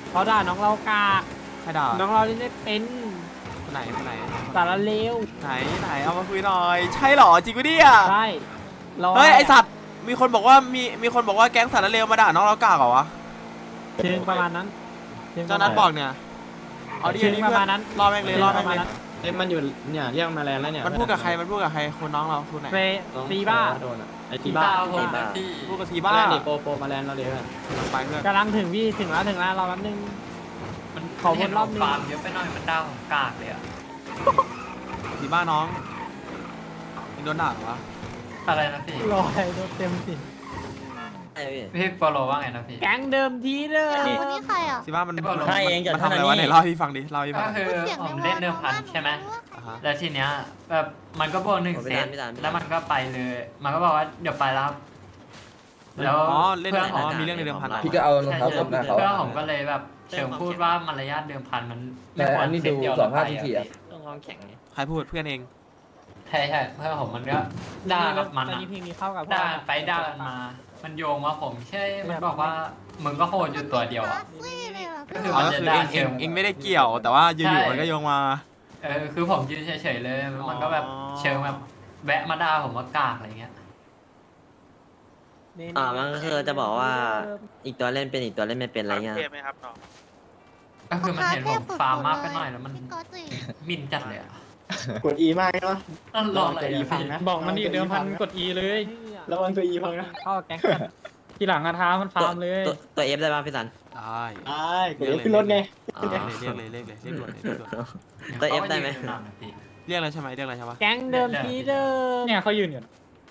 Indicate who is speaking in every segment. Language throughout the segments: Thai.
Speaker 1: เขาด่าน้องเรากาก
Speaker 2: ใครด่า
Speaker 1: น้องเราเล่นไม่เป็น
Speaker 2: คนไหนคนไหน
Speaker 1: สารเลว
Speaker 2: ไหนเอามาคุยหน่อยใช่เหรอจริงปะเนี่ย
Speaker 1: ใช่ร
Speaker 2: เฮ้ยไอสัตว์มีคนบอกว่ามีคนบอกว่าแก๊งสารเลวมาด่าน้องเรากากเหรอวะ
Speaker 1: เชิงประมาณนั้น
Speaker 2: เจ้านัทบอกเนี่ยเอาดิ
Speaker 1: เชิง
Speaker 2: นี่
Speaker 1: ประ
Speaker 2: เพื่อ
Speaker 1: มาณ
Speaker 2: น
Speaker 1: นั้น
Speaker 2: รอแม่งเลยรอแม่งเลย
Speaker 3: เอ้ยมันอยู่เนี่ยเรียกมาแล้วเนี่ย
Speaker 2: มันพูดกับใครคนน้องเราคนไหน
Speaker 1: เฟซีบ้า
Speaker 3: โดนอ่ะไอ้ทีบ้า
Speaker 2: พูดกับที
Speaker 3: บ้า
Speaker 2: บ้า
Speaker 3: นี่โปมาแลนด์เราเดี๋ยว
Speaker 2: ไปเพื่อน
Speaker 1: กำลังถึงพี่ถึงแล้วรอแป๊บนึง
Speaker 4: มัน
Speaker 1: ขอวนรอบนึง
Speaker 4: ฟาร์มเยอะไปหน่อยมันดาวของกากเลยอะ
Speaker 2: ทีบ้าน้องมึงโดนด่าเหรอวะ
Speaker 4: อะไรนะพี่
Speaker 1: รอยโดนเต็มสิ
Speaker 4: พี่โปโลว่าไงนะพี่
Speaker 1: แก๊งเดิมทีเดิม
Speaker 5: คนนี้ใครอ่ะ
Speaker 2: ทีบ้ามัน
Speaker 4: ใช่เอง
Speaker 2: มันทำอะไรวะไหนเล่าให้พี่ฟังดิเล่าให้พี่
Speaker 4: ก็
Speaker 2: ฟัง
Speaker 4: คือผมเล่นเดิมพันใช่ไหม
Speaker 2: อ่าฮะ
Speaker 4: แล้วทีเนี้ยแบบมันก็บวก1 เซตแล้วมันก็ไปเลย มันก็บอกว่าเดี๋ยวไปแล้วแล้ว
Speaker 2: อ๋อเล่น
Speaker 4: เพื่อน
Speaker 2: อ๋
Speaker 4: ผม
Speaker 2: อมีเรื่องในเดิมพันเหรอ
Speaker 6: พี่ก็เอารอง
Speaker 4: ใช่
Speaker 6: เท้าตบหน้าเขา
Speaker 4: เพื่อนผมก็เลยแบบเชิงพูดว่ามารยาทเดิมพันมันไม่
Speaker 6: แต่
Speaker 4: คว
Speaker 6: อั
Speaker 4: ร
Speaker 6: นนี้
Speaker 4: เซต
Speaker 6: ดู
Speaker 4: เดียว
Speaker 6: สองห้า
Speaker 4: ไป
Speaker 6: ที่
Speaker 4: อะ
Speaker 6: สี่อ่ะ
Speaker 2: ใครพูดเพื่อนเอง
Speaker 4: ใช่เพื่อนผมมันก็ด่ากับมัน
Speaker 1: ตอน
Speaker 4: อะ
Speaker 1: นี้เพลงนี้เข้ากับพวก
Speaker 4: ด่าไปด่ากันมา มันโยงว่าผมใช่ มันบอกว่ามึงก็โหดอยู่ตัวเดียวอ่ะ ก็คือ
Speaker 2: อ๋อ
Speaker 4: มัน
Speaker 2: ก็
Speaker 4: จะ
Speaker 2: คือ
Speaker 4: ด่า
Speaker 2: เอง
Speaker 4: เชิง
Speaker 2: เองไม่ได้เกี่ยว แต่ว่าอยู่
Speaker 4: ใช่
Speaker 2: ๆมันก็โยงมา
Speaker 4: คือผมยืนเฉยๆเลย มันก็แบบเชิงแบบแวะมาด่าผมว่ากากอะไรเงี้ย
Speaker 7: มันก็คือจะบอกว่าอีกตัวเล่นเป็นอีกตัวเล่นไม่เป็นอะไรเงี้ย
Speaker 8: เทพไหมครับน้อง
Speaker 4: ก็คือมันเห็นผมฟาร์มมากไปหน่อยแล้วมัน
Speaker 5: พี่ก๊อตสิ
Speaker 4: มินจัดเลยอ่ะ
Speaker 3: กด E มากเนาะ
Speaker 4: นั่นรออะไรอ่ะพี่
Speaker 3: บอกมันดิเดิมพันกด E เลยระวังตัว E พังนะ
Speaker 1: เข้ากับแก๊งกันทีหลังอะท้ามันฟาร์มเลย
Speaker 7: ตัว F ได้ป่ะพี่สัน
Speaker 2: ได้
Speaker 3: กด F ขึ้นรถไง
Speaker 7: อ๋อ
Speaker 2: เรียกเลยเรียกด่วนเลย
Speaker 7: ตัว F ได้ไหม
Speaker 2: เรียกอะไรใช่ไหมเรียกอะไรใช่ปะ
Speaker 1: แก๊งเดิมทีเดิม
Speaker 3: เนี่ยเขายืนอยู่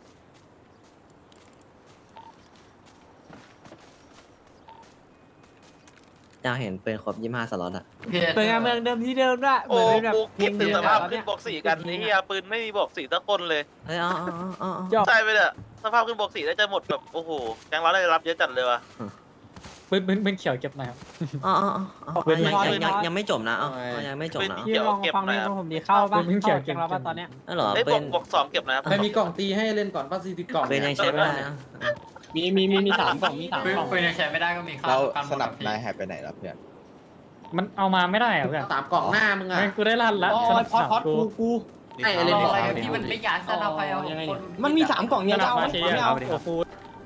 Speaker 7: อยากเห็นปืนครบ25 สล็อตอ่ะ
Speaker 1: เป็นการเมืองเดิมทีเดิมด้วยเห
Speaker 8: โอ้
Speaker 1: มือนเป็นแบบ
Speaker 8: กู
Speaker 1: เพล
Speaker 8: คิด
Speaker 1: ง
Speaker 8: ถึ
Speaker 1: เดี
Speaker 8: ง
Speaker 1: ยว
Speaker 8: สภาพ
Speaker 1: แล้ว
Speaker 8: ขึ้
Speaker 1: เนี่
Speaker 8: น
Speaker 1: ย
Speaker 8: บวกสี่กันนี่อะปืนไม่มีบวกสี่สักคนเลย
Speaker 7: เฮ้ยอ๋อ
Speaker 1: จบ
Speaker 8: ใช่ไปเลยสภาพขึ้นบวกสี่ได้จะหมดแบบโอ้โหแกงเราได้รับเยอะจัดเลยว่ะ
Speaker 3: ปืนเขียวเก็บหน่อยครับ
Speaker 7: อ๋อยังไม่จบนะยังไม่จบนะ
Speaker 1: พี่ลองฟังเพลงของผมดีเข้าป่ะ
Speaker 3: เป็นเพลงเขียว
Speaker 1: แก๊งเราป่ะตอนเนี้ย
Speaker 7: นั่นเหรอ
Speaker 8: ไอ้ย
Speaker 7: ปื
Speaker 8: บวน กสองเก็บนะครับ
Speaker 3: ไม่มีกล่องตีให้เล่นก่อนป้าซีติกล่อง
Speaker 7: ปืนยังใช้ไม่ได้นะ
Speaker 3: มี3 กล่องมี3
Speaker 4: ปืน
Speaker 3: กล่อง
Speaker 4: ปืนยังใช้ไม่ได้ก็มีค่า
Speaker 6: เรา
Speaker 4: การ
Speaker 6: สนับ
Speaker 4: พี่
Speaker 6: นายหายไปไหนแล้วเพื่อน
Speaker 3: มันเอามาไม่ได้อะเพื่อน3 กล่องหน้ามึงอ่ะกูได้ลั่นละสนับกู
Speaker 4: ไอ้อะไรที่มันไม่อยากสนับไปเอาคน
Speaker 3: มันมี3 กล่องเนี่ยจะเอาไหมไม่เอาโอ้โห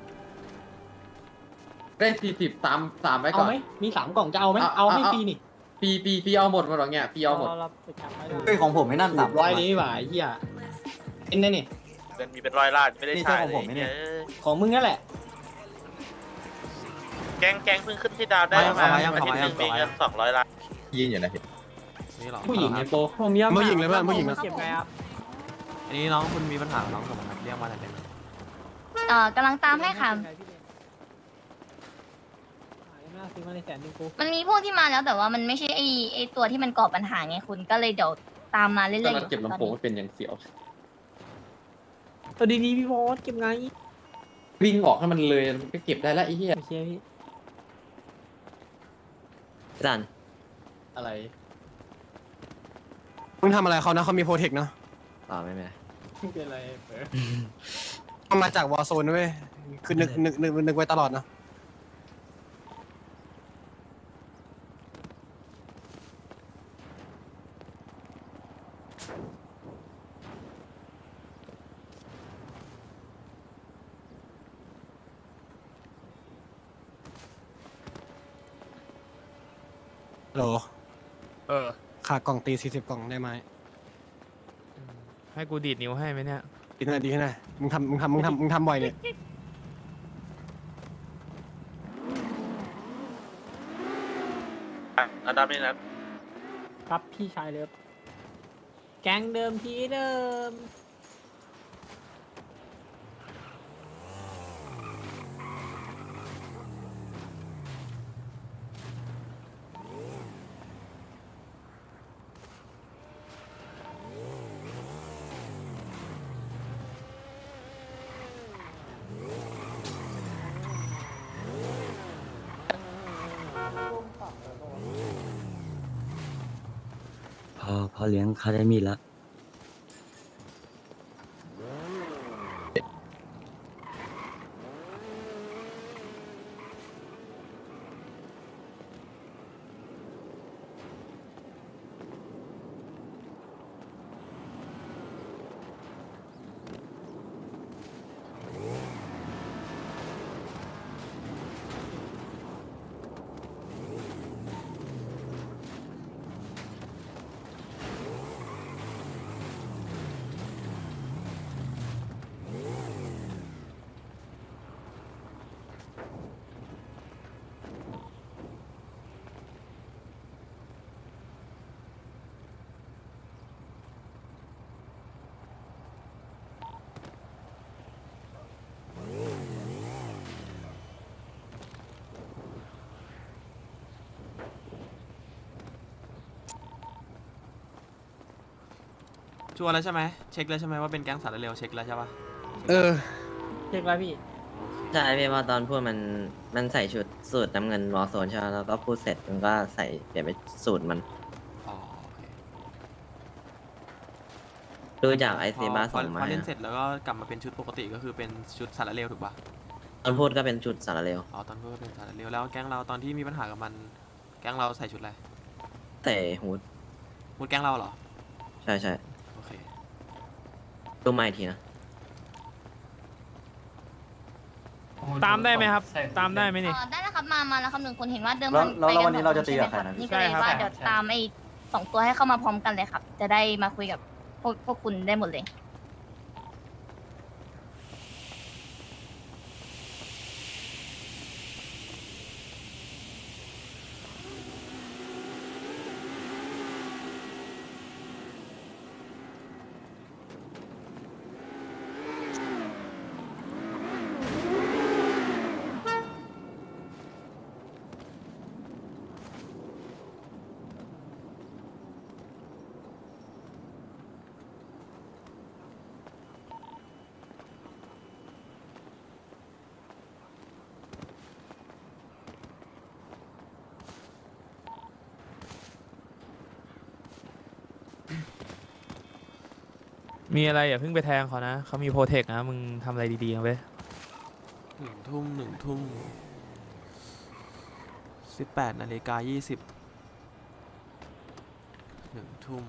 Speaker 3: ได้40ตามไว้ก่อน
Speaker 9: มี3 กล่องจะเอาไหมเอาให้ฟรีนี่
Speaker 3: ปีเอาหมดหรอเนี่ยปีเอาหมด
Speaker 1: เราฝึกกันไว้
Speaker 9: เฮ้ยของผมไม่นั่น300นี้หว่าไอ้เหี้ยเป็นไงนี่
Speaker 8: เป็นมีเป็นร้อยล้านไม่ได้ใช้เลย
Speaker 9: ของมึงนั่นแหละ
Speaker 8: แกงเพิ่งขึ้นที่ดาวได้มาอาทิตย์หนึงมีเงิน200 ล้าน
Speaker 6: ยิงอยู่นะพี่
Speaker 2: นี่หรอ
Speaker 9: ผู้หญิงไงโป
Speaker 1: ผมยอม
Speaker 3: ผู้หญิงเลยเพื่อนผู้หญิงนะ
Speaker 1: เก็บไงครับ
Speaker 2: อันนี้น้องคุณมีปัญหาน้องสมบัติเรียกมาอะไรเป็น
Speaker 5: กำลังตามให้ค่ะ
Speaker 1: ซื้อมาในแสนนึงกู
Speaker 5: มันมีพวกที่มาแล้วแต่ว่ามันไม่ใช่ไอตัวที่มันก่อปัญหาไงคุณก็เลยเดี๋ยวตามมาเรื่อยๆ
Speaker 3: ตอน
Speaker 5: อ
Speaker 3: นั้น
Speaker 5: ยู่
Speaker 3: เก็บลำโพงเป็นอย่างเสียว
Speaker 1: ตัวดีๆพี่โบสเก็บไง
Speaker 3: วิ่งออกให้มันเลยมันก็เก็บได้แล้วไอ้เหี้ย
Speaker 1: โอเคพี่
Speaker 7: พี่สัน
Speaker 3: อะไร
Speaker 9: มึงทำอะไรเขานะเขามีโปรเทคนะ
Speaker 7: ต่อไม่เป็นไร
Speaker 3: ไม่เป็นไรเปิด
Speaker 9: มันมาจากวอร์โซนด้วยคือนึกไว้ตลอดนะโหลขาดกล่องตี40 กล่องได้ไหม
Speaker 2: ให้กูดีดนิ้วให้ไหมเนี่ย
Speaker 9: ดีขนาดมึงทำบ่อยเนี่ย
Speaker 8: อันดับนี้นะ
Speaker 1: ครับพี่ชายเลิฟแก๊งเดิมทีเดิม
Speaker 7: พอเลี้ยงคาเดมี่แล้ว
Speaker 2: ชัวร์แล้วใช่ไหมเช็คแล้วใช่ไหมว่าเป็นแก๊งสารเร็วเช็คแล้วใช่ปะ
Speaker 9: เออ
Speaker 1: เช็คแล้วพี่
Speaker 7: ใช่พี่ว่าตอนพูดมันใส่ชุดสูตรน้ำเงินวอลโซนใช่ไหมแล้วก็พูดเสร็จมันก็ใส่เปลี่ยนเป็นสูตรมัน
Speaker 2: อ๋อโอเค
Speaker 7: ดูจากไอซีบ้า
Speaker 2: พ
Speaker 7: ส่งมา
Speaker 2: พอเล่นเสร็จแล้วก็กลับมาเป็นชุดปกติก็คือเป็นชุดสารเร็วถูกปะ
Speaker 7: ตอนพูดก็เป็นชุดสารเร็ว
Speaker 2: อ๋อตอนพูดก็เป็นสารเร็วแล้วแก๊งเราตอนที่มีปัญหากับมันแก๊งเราใส่ชุดอะไร
Speaker 7: แต่ฮูด
Speaker 2: พูดแก๊งเราเหรอ
Speaker 7: ใช่ใช่
Speaker 2: โอเค
Speaker 7: ดูมาอีกทีนะ
Speaker 3: ตามได้ไหมครับ ตามได้ไหมนี่
Speaker 5: ได้แล้วครับมาแล้วครับ1คนเห็นว่าเดิม
Speaker 6: แล้ววันนี้เราจะตีกับใครนะ
Speaker 5: นี่ก็เลยว่าเดี๋ยวตามไอ้2ตัวให้เข้ามาพร้อมกันเลยครับ จะได้มาคุยกับพวกคุณได้หมดเลย
Speaker 3: มีอะไรอย่าเพิ่งไปแทงเขานะเขามีโปรเทคนะมึงทำอะไรดีๆนะเว้ย
Speaker 2: 1 ทุ่ม18:20 1 ทุ่ม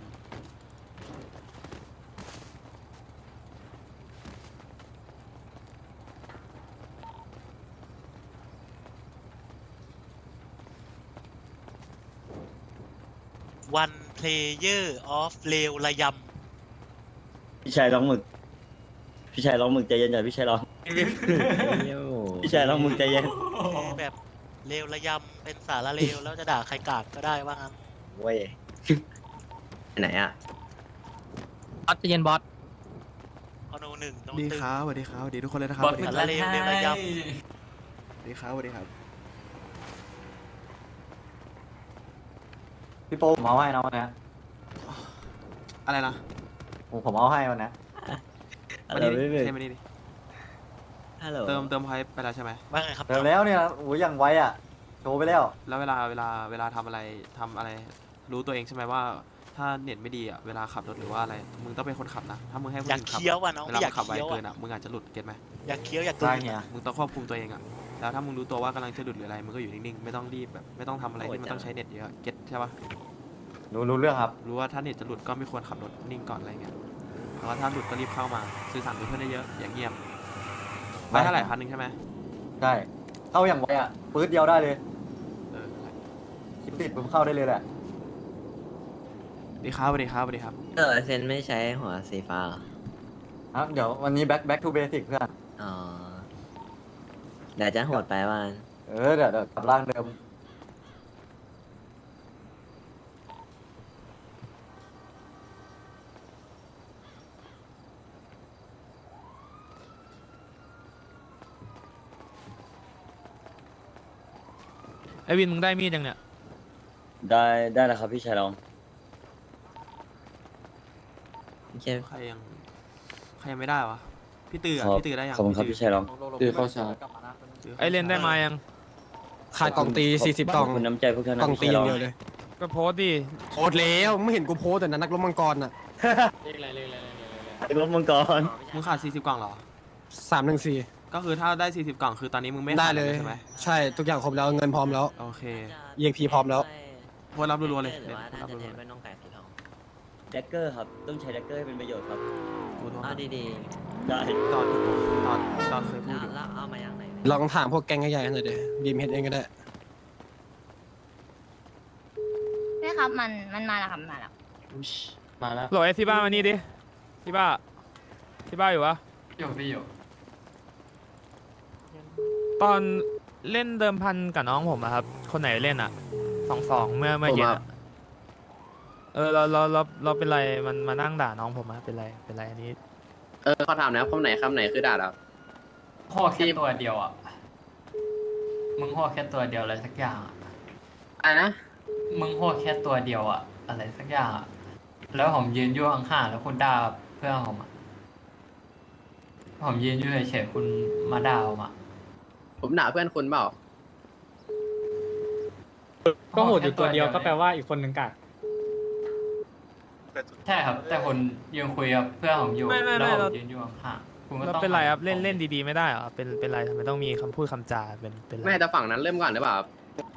Speaker 10: วันเพลเยอร์ออฟเลวระย
Speaker 6: พี่ชายร้องหมึก พี่ชายร้องหมึกใจเย็นหน่อยพี่ชายร้อง พี่ชายร้องหมึกใจเย็น
Speaker 10: ำแบบเลวระยำเป็นสารเลวแล้วจะด่าใครกากก็ได้ว่างั้น
Speaker 6: เว้ย
Speaker 7: ไหนอ่ะ
Speaker 1: บอสเย็นบอส
Speaker 10: อโนหนึ่งโน
Speaker 2: ดี
Speaker 10: ตึง
Speaker 2: ครับสวัสดีครับสวัสดีทุกคนเลยนะครับ
Speaker 4: บอส
Speaker 2: สวัสดี
Speaker 4: เป็น
Speaker 2: ครับ
Speaker 4: อะไร
Speaker 10: เลวระย
Speaker 2: สวัสดีครับสวัสดีครับ
Speaker 6: พี่โป้ผมเอาให้นะวันนี้
Speaker 2: อะไรนะ
Speaker 6: ผมเอาให้วันนี้
Speaker 2: มานี่ดิเทมานี่ดิ
Speaker 7: ฮัลโหล
Speaker 2: เติมพอยต์ไปแล้วใช่ไหม
Speaker 10: ว่าไงครับ
Speaker 6: เดี๋ยวแล้วเนี่ยโอ้ยอย่างไวอ่ะ โชว์ไปแล้ว
Speaker 2: แล้วเวลาทำอะไรรู้ตัวเองใช่ไหมว่าถ้าเน็ตไม่ดีอ่ะเวลาขับรถหรือว่าอะไรมึงต้องเป็นคนขับนะถ้ามึงให้คน
Speaker 10: อยาก
Speaker 2: อื่นขับ
Speaker 10: เคี้ยวอ่ะน้อง
Speaker 2: เวลา
Speaker 10: อยา
Speaker 2: มึ
Speaker 10: ก
Speaker 2: งขับไว
Speaker 10: เคี้ยว
Speaker 2: เกิน
Speaker 10: อ่ะ
Speaker 2: อ่ะมึงอาจจะหลุดเก็ตไหม
Speaker 10: อยากเคี้ยวอยากกลื
Speaker 6: ได้
Speaker 10: น
Speaker 6: เนี่ย
Speaker 2: มึงต้องควบคุมตัวเองอ่ะแล้วถ้ามึงรู้ตัวว่ากำลังจะหลุดหรืออะไรมึงก็อยู่นิ่งๆไม่ต้องรีบแบบไม่ต้องทำอะไรที่มันต้องใช้เน็ตเยอะเก็ตใช่ปะ
Speaker 6: รู้เรื่องครับ
Speaker 2: รู้ว่าถ้าเน็ตจะหลุดก็ไม่ควรขับรถนิ่งก่อนอะไรเงี้ยแล้วก็ถ้าหลุดก็รีบเข้ามาสื่อสารกับเพื่อนได้เยอะอย่างเงียบไปเท่าไหร่1,000ใช่ไหม
Speaker 6: ได้ เข้าอย่างไวอ่ะปื๊ดเดียวได้เลย
Speaker 2: เออนั่นแหละ
Speaker 6: คลิปติดผมเข้าได้เลยแหละ
Speaker 2: สวัสดีครับสวัสดีครับสวัสดีครับ
Speaker 7: เซนไม่ใช้หัวสีฟ้าเหรอ
Speaker 6: ครับเดี๋ยววันนี้ back to basic เพื่อน
Speaker 7: อ๋อเดี๋ยวจะโหดไปว่า
Speaker 6: เดี๋ยวกลับร่างเดิม
Speaker 3: ไอวินมึงได้มีดยังเนี่ย
Speaker 6: ได้แล้วครับพี่ชายร้อง
Speaker 7: โอเค
Speaker 2: ใครยังไม่ได้วะพี่ตืออ่ะพี่ตือได้ยัง
Speaker 6: ขอบคุณครับพี่ชายร้อง
Speaker 9: คือเข้าชาร์จ
Speaker 3: ไอเลนได้มายัง
Speaker 9: ขาดกล่องตี40กล่อง
Speaker 6: คุณน้ำใจพวกท่าน
Speaker 9: กล่องตีอย่างเดียวเลย
Speaker 3: ก็โพสต์ดิ
Speaker 9: โคตรแล้วไม่เห็นกูโพสแต่นั้นนักรบมังกรน่ะ
Speaker 6: รถมังกร
Speaker 2: มึงขาด40 กล่องเหรอ
Speaker 9: 314
Speaker 2: ก็คือถ้าได้40 กล่องคือตอนนี้มึงไม่
Speaker 9: ได้
Speaker 2: ขาด
Speaker 9: เลย
Speaker 2: ใช่ไหม
Speaker 9: ใช่ทุกอย่างครบแล้วเงินพร้อมแล้ว
Speaker 2: โอเค
Speaker 9: EXP พร้อมแล้ว
Speaker 2: โพสต์รับรัวๆเลย
Speaker 7: หรือว่า
Speaker 2: โพสต์
Speaker 7: ถ้า
Speaker 2: รับ
Speaker 7: จะ
Speaker 2: รั
Speaker 7: เน้
Speaker 2: วน ๆเล
Speaker 7: ไม่
Speaker 2: ย
Speaker 7: ต้องแปดสีทอง
Speaker 6: แดกเกอร์ครับ ต้องใช้แดกเกอร์ให้เป็นประโยชน์ครับ
Speaker 2: กูโทร
Speaker 7: อ๋อ
Speaker 2: หา
Speaker 7: ดี
Speaker 6: ได้
Speaker 2: ตอนเคย
Speaker 7: ๆ
Speaker 2: พูดอยู่
Speaker 7: แล้วเอามาอย่างไหน
Speaker 9: ลองถามพวกแก๊งใหญ่ๆหน่อยดิบีมเฮดเองก็ได้
Speaker 5: ใช่ครับมันมาแล้วครับมาแล้ว
Speaker 3: มาแล้วโหลดไอที่บ้านมานี่ดิที่บ้านอยู่วะ
Speaker 4: อยู่พี่อยู่
Speaker 3: ตอนเล่นเดิมพันกับน้องผมอะครับ คนไหนเล่นอะ2-2เมื่อเย็นอะเราเป็นไรมันมานั่งด่าน้องผมอะเป็นไรอันนี้
Speaker 11: เขาถามนะคำไหนคือด่าเรา
Speaker 4: ห่อแค่ตัวเดียวอ่ะมึงห่อแค่ตัวเดียวอะไรสักอย่างอะ
Speaker 11: อะไรนะ
Speaker 4: มึงห่อแค่ตัวเดียวอ่ะอะไรสักอย่างอะแล้วผมยืนอยู่ข้างๆแล้วคุณด่าเพื่อนผมอะผมยืนอยู่เฉยๆคุณมาด่าผมอะ
Speaker 11: ผมด่าเพื่อนคุณเปล่า
Speaker 1: ก็โหดอยู่ตัวเดียวก็แปลว่าอีกคนหนึ่งกาก
Speaker 8: แต่สุด
Speaker 4: ใช่ครับ แต่คุณยืนคุยกับเพื่อนผมอยู่
Speaker 3: ไม่
Speaker 4: แล้วผ
Speaker 3: เรา
Speaker 4: มยืนอยู่ข้างๆคุณก็
Speaker 3: แล้ว
Speaker 4: ต้อง
Speaker 3: เป็นไรครับ
Speaker 4: หั
Speaker 3: เล่น
Speaker 4: ผม
Speaker 3: เล่นดีๆไม่ได้เหรอเป็นไรทำไมต้องมีคำพูดคำจาเป็นไร
Speaker 11: ไม่แต่ฝั่งนั้นเริ่มก่อนหรือเปล่าครับ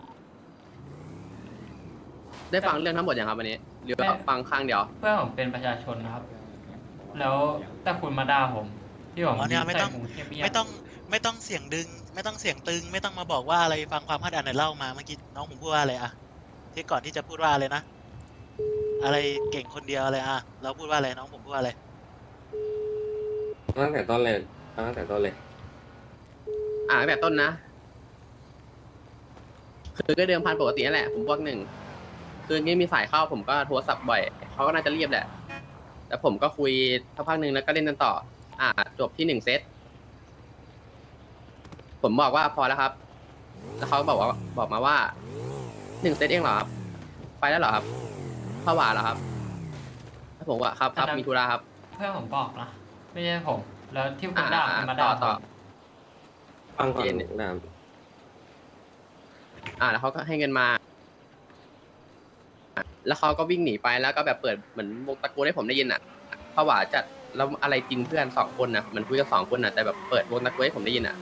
Speaker 11: ได้ฟังเรื่องทั้งหมดยังครับวันนี้หรือว่าฟังข้างเดียว
Speaker 4: เพื่อนผมเป็นประชาชนนะครับ แล้วแต่คุณมาด่าผม ที่ผม
Speaker 10: อ๋อเนี่ยไม่ต้อง
Speaker 4: ใส่หูเงียบๆ
Speaker 10: ไม่ต้องเสียงดึง ไม่ต้องเสียงตึง ไม่ต้องมาบอกว่าอะไรฟังความคาดอันไหนเล่ามาเมื่อกี้น้องผมพูดว่าอะไรอะที่ก่อนที่จะพูดว่าอะไรนะ อะไรเก่งคนเดียวอะไรอะเราพูดว่าอะไรน้องผมพูดว่าอะไร
Speaker 11: ตั้งแต่ต้นเลยตั้งแต่ต้นเลยตั้งแต่ต้นนะ คือก็เดิมพันปกตินั่นแหละ ผมพวกหนึ่ง คืองี้มีสายเข้าผมก็โทรศัพท์บ่อย เขาก็น่าจะเรียบแหละ แต่ผมก็คุยสักพักหนึ่งแล้วก็เล่นกันต่อ จบที่1 เซต ผมบอกว่าพอแล้วครับ แล้วเขาบอกมาว่า1 เซตเองเหรอครับ ไปแล้วเหรอครับผวาเหรอครับแล้วผมว่าครับมีธุระครับ
Speaker 4: เพื่อนผมบอกนะ ไม่ใช่ผม แล้วที่คุณด่าคุณมาด่า
Speaker 11: ต่อ
Speaker 4: ผม
Speaker 11: ฟังก่อนนะแล้วเขาก็ให้เงินมา แล้วเขาก็วิ่งหนีไปแล้วก็แบบเปิดเหมือนวงตะโกนให้ผมได้ยินอ่ะผวาจัดแล้วอะไรจริงเพื่อน2 คนนะมันคุยกัน2 คนนะแต่แบบเปิดวงตะโกนให้ผมได้ยินอ่ะ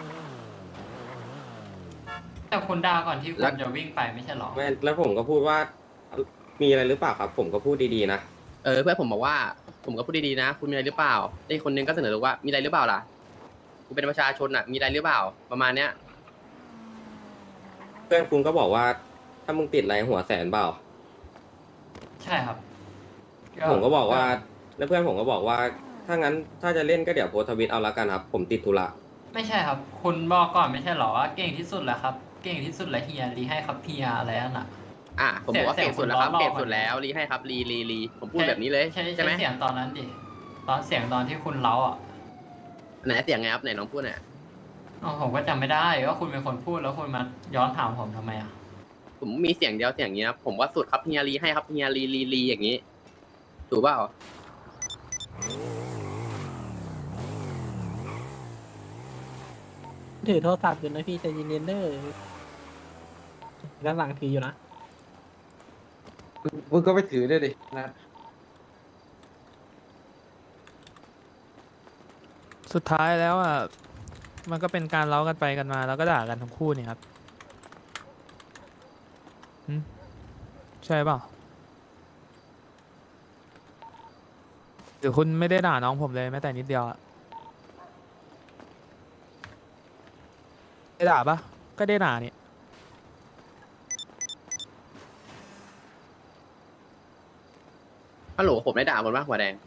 Speaker 4: แต่คุณด่าก่อนที่คุ
Speaker 11: แล้
Speaker 4: ณ
Speaker 11: ว
Speaker 4: จะวิ่งไปไม่ใช่หรอ
Speaker 12: ไม่แล้วผมก็พูดว่ามีอะไรหรือเปล่าครับ ผมก็พูดดีๆนะ
Speaker 11: เพื่อนผมบอกว่าผมก็พูดดีๆนะ คุณมีอะไรหรือเปล่าไอ้คนนึงก็เสนอว่ามีอะไรหรือเปล่าล่ะกูเป็นประชาชนอ่ะมีอะไรหรือเปล่าประมาณเนี้ย
Speaker 12: เพื่อนคุณก็บอกว่าถ้ามึงติดอะไรหัวแสนเปล่า
Speaker 4: ใช่ครับ
Speaker 12: ผมก็บอกว่าแล้วเพื่อนผมก็บอกว่าถ้างั้นถ้าจะเล่นก็เดี๋ยวโพสต์ทวิตเอาละกันครับ ผมติดธุระ
Speaker 4: ไม่ใช่ครับ คุณบอกก่อนไม่ใช่หรอว่าเก่งที่สุดแล้วครับ เก่งที่สุดแล้วเฮียรีให้ครับเฮียอะไรนั่นน่ะ
Speaker 11: ผมบอกว่า
Speaker 4: เสียง
Speaker 11: เก่งสุดแล้วครับ
Speaker 4: คุณล้อ
Speaker 11: เก่งสุดแล้วรีให้ครับรีผมพูดแบบนี้เลย
Speaker 4: ใช่
Speaker 11: ไหม
Speaker 4: เสียงตอนนั้นดิตอนเสียงตอนที่คุณเล้าอ่ะ
Speaker 11: ไหนเสียงไงครับไหนน้องพูดหน่อย
Speaker 4: อ๋อผมก็จำไม่ได้ว่าคุณเป็นคนพูดแล้วคุณมาย้อนถามผมทำไมอ่ะ
Speaker 11: ผมมีเสียงเดียวเสียงนี้นะผมว่าสุดครับเฮียรีให้ครับเฮียรีอย่างนี้ถูกเปล่า
Speaker 1: ถือโทรศัพท์อยู่นะพี่ใจเย็นๆเด้อด้านหลังถืออยู่นะ
Speaker 9: มึงก็ไปถือด้วยดินะ
Speaker 3: สุดท้ายแล้วอ่ะมันก็เป็นการเล้ากันไปกันมาแล้วก็ด่ากันทั้งคู่นี่ครับใช่เปล่าหรือคุณไม่ได้ด่าน้องผมเลยแม้แต่นิดเดียวอะได้ด่าปะก็ได้ด่านี่
Speaker 11: ฮัลโหลผมได้ด่าคนว่าหัวแดง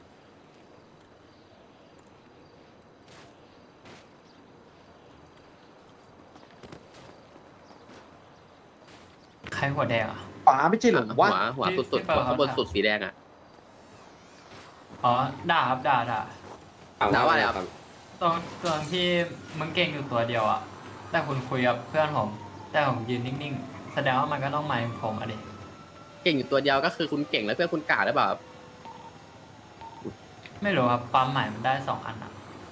Speaker 4: ใครหัวแดงอ่ะ
Speaker 9: ป๋าไม่ใช่หรอวะ
Speaker 11: หัวสุดๆหัวข้างบนสุดสีแดงอ่ะ
Speaker 4: อ๋อด่าครับด่า
Speaker 11: ด่าว่าอะไรครับ
Speaker 4: ตอนที่มึงเก่งอยู่ตัวเดียวอ่ะแต่คุณคุยกับเพื่อนผมแต่ผมยืนนิ่งๆแสดงว่ามันก็ต้องหมายถึงผมอ่ะดิ
Speaker 11: เก่งอยู่ตัวเดียวก็คือคุณเก่งแล้วเพื่อนคุณกาหรือเปล่าครับ
Speaker 4: ไม่รู้ครับความหมายมันได้2 อันอ่ะ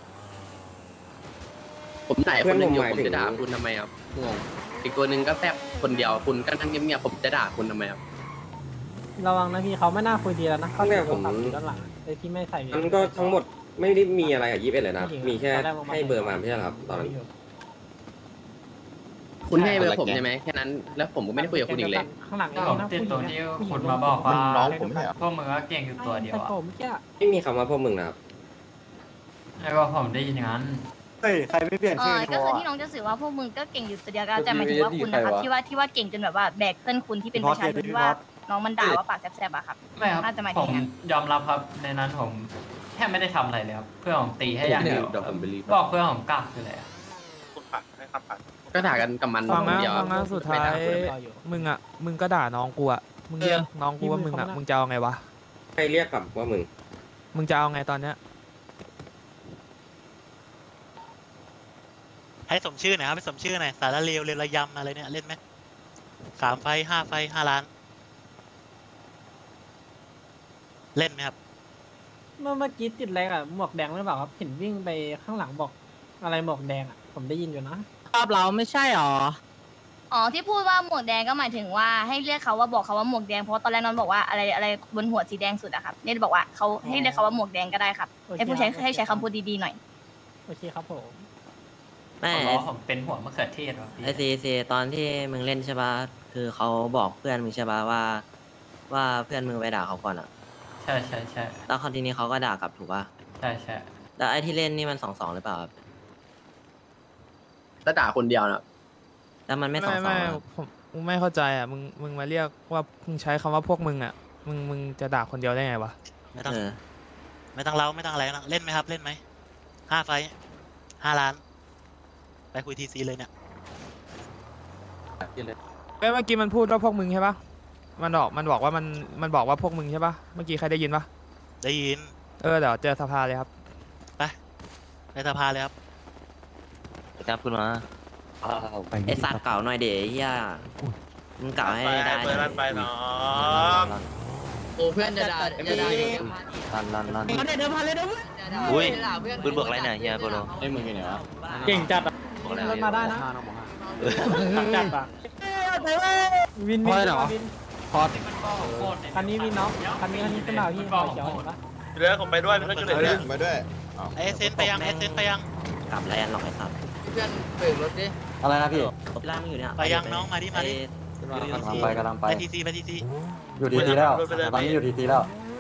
Speaker 11: ผมด่าคนหนึ่งอยู่ผมจะด่าคุณทำไมครับงงอีกตัวหนึ่งก็แซบคนเดียวคุณก็นั่งเงียบๆผมจะด่าคุณทำไมครับ
Speaker 1: ระวังนะพี่เขาไม่น่าคุยดีแล้วนะเขา
Speaker 12: เนี่ย
Speaker 1: ถือ
Speaker 12: ผม
Speaker 1: โทรศัพท์อยู่ด้านหลังไอ้ที่ไม่ใส่
Speaker 12: มันก็ทั้งหมดไม่ได้มีอะไรกับ21เลยนะ
Speaker 1: ไม่ถึง
Speaker 12: มีแค่
Speaker 1: ตอนแรกผมมา
Speaker 12: ให้เบอร์มาไม่ใช่เหรอครับตอนนั้น
Speaker 11: คุณให้เบอร์ผมใช่ไหมแค่นั้นแล้วผมก็ไม่ได้คุยกับคุณอีกเลย
Speaker 1: ข้างหลัง
Speaker 4: ก็ผมติดตัวที่คุณมาบอกว่าพวกมึงก็เก่งอยู่ตัวเดียว
Speaker 1: แต่
Speaker 4: อ่ะ
Speaker 1: ผมแค่
Speaker 12: ไม่มีคำว่าพวกมึงนะครับ
Speaker 4: แล้วก็ผมได้ยินอย่างนั้น
Speaker 9: เฮ้ยใครไม่เปลี่ยนชื่อ
Speaker 5: ก็คือที่น้องจะสื่อว่าพวกมึงก็เก่งอยู่ตัวเดียวกันแต่หมายถึงว่าคุณนะครับที่ว่าเก่งจนแบบว่าแบกเพื่อนคุณที่เป็นประชาชนที่ว่าน้องมันด่าว่าปากแสบๆอะครับ
Speaker 4: ไม่ครับ
Speaker 5: น่าจะหมายถึ
Speaker 4: ผ
Speaker 5: ง
Speaker 4: ม
Speaker 5: อย่างนั้น
Speaker 4: ยอมรับครับในนั้นผมแค่ไม่ได้ทำอะไรเลยครับเพื่อนผมตีให้อย่างเดียว
Speaker 11: เดี๋ยวผมไปรีบ
Speaker 4: บอกเพื่อนผมกลับเลยอะ
Speaker 8: คุณผ่านให้ครับผ่าน
Speaker 11: ก็ด่ากันกับมัน
Speaker 3: ฟัง
Speaker 11: คน
Speaker 3: นะ
Speaker 11: เดียว
Speaker 3: ฟังนะสุดท้ายมึงก็ด่าน้องกูอ่ะมึงเรียกน้องกูว่ามึงอ่ะมึงจะเอาไงวะ
Speaker 12: ใครเรียกกลับว่ามึง
Speaker 3: มึงจะเอาไงตอนเนี้ย
Speaker 10: ให้สมชื่อหน่อยครับให้สมชื่อหน่อยสารเลวเรวระยำอะไรเนี่ยเล่นไหม3 ไฟ 5 ไฟ 5 ล้านเล่นไหมครับ
Speaker 1: เมื่อกี้ติดอะไรอะหมวกแดงหรือเปล่าครับเห็นวิ่งไปข้างหลังบอกอะไรหมวกแดงอะผมได้ยินอยู่นะ
Speaker 3: ภาพเราไม่ใช่หรอ
Speaker 5: อ๋อที่พูดว่าหมวกแดงก็หมายถึงว่าให้เรียกเขาว่าบอกเขาว่าหมวกแดงเพราะว่าตอนแรกน้องบอกว่าอะไรบนหัวสีแดงสุดอะครับเนี่ยบอกว่าเขาให้เรียกเขาว่าหมวกแดงก็ได้ครับให้ผู้ใช้ให้ใช้คำพูดดีๆหน่อย
Speaker 1: โอเคครับผม
Speaker 7: ไม่
Speaker 4: ขอร้องผมเป็นหัวมะเขือเทศว่ะพี่
Speaker 7: ไอซีตอนที่มึงเล่นใช่ปะคือเขาบอกเพื่อนมึงใช่ปะว่าเพื่อนมึงไปด่าเขาก่อนอะ
Speaker 4: ใช่ใช่ใช่
Speaker 7: แล้วคราวทีนี้เขาก็ด่ากลับถูกปะ
Speaker 4: ใช่ใช่
Speaker 7: แล้วไอที่เล่นนี่มัน2-2หรือเปล่าครับ
Speaker 11: ถ้าด่าคนเดียวนะ
Speaker 7: แล้วมันไม่2-2
Speaker 3: ไม่
Speaker 7: อะ
Speaker 3: ผมไม่เข้าใจอ่ะมึงมาเรียกว่ามึงใช้คำว่าพวกมึงอ่ะมึงจะด่าคนเดียวได้ไงวะ
Speaker 10: ไม่ต้อง
Speaker 7: เออ
Speaker 10: ไม่ต้องเล่าไม่ต้องอะไรนะเล่นไหมครับ เล่นไหม5 ไฟต์5 ล้าน ไปคุยทีซีเลยเนี่ย
Speaker 3: เมื่อกี้มันพูดว่าพวกมึงใช่ปะมันบอกว่ามันบอกว่าพวกมึงใช่ปะเมื่อกี้ใครได้ยินปะ
Speaker 10: ได้ยิน
Speaker 3: เดี๋ยวเจอสภาเลยครับ
Speaker 10: ในสภาเลยครับ
Speaker 6: ครับคุณมา
Speaker 7: ไอสัตว์เก่าหน่อยเดี๋ยวเฮียมึงเก่าให้ได้
Speaker 8: เปิด
Speaker 7: นะ
Speaker 8: รันไปน้อง
Speaker 11: โอ้เพื่อนจะด่าจะด่า
Speaker 6: ลั่น
Speaker 1: เดี๋ยวพาเลยเดี๋ยว
Speaker 6: อุ้ยปืนบอกอะไรเนี่ยเฮียโปโล
Speaker 11: ไอ้มึงอยู่ไหนวะ
Speaker 1: เก่งจัดอะ
Speaker 6: บอกอะไร
Speaker 1: รถมาได้นะ
Speaker 2: น้องบอกห้า
Speaker 1: จัดอะวิน
Speaker 9: เพราะอะไรเหรอ
Speaker 1: วิน
Speaker 9: พอด
Speaker 1: คันนี้วินเนาะคันนี้ขึ้นมาพี่ขอเขียวเห็นปะ
Speaker 8: เรือผมไปด้วยเพื่อนขึ้นเลยเนี่ย
Speaker 9: ไปด้วย
Speaker 10: เอเซนไปยังเอเซนไปยัง
Speaker 7: กลับแล้วหรอกไอสัตว์
Speaker 11: เพื่อนเปิดรถดิ
Speaker 9: อะไรนะพี่
Speaker 7: ล่างมึงอยู่เนี่ย
Speaker 10: ไปยังน้องมาดิมาดิ
Speaker 9: กำลังไป
Speaker 10: ไปทีซีไปทีซี
Speaker 9: อยู่ทีทีแล้ว
Speaker 8: ไปเลย
Speaker 9: ตอนนี้อยู่ทีทีแล้ว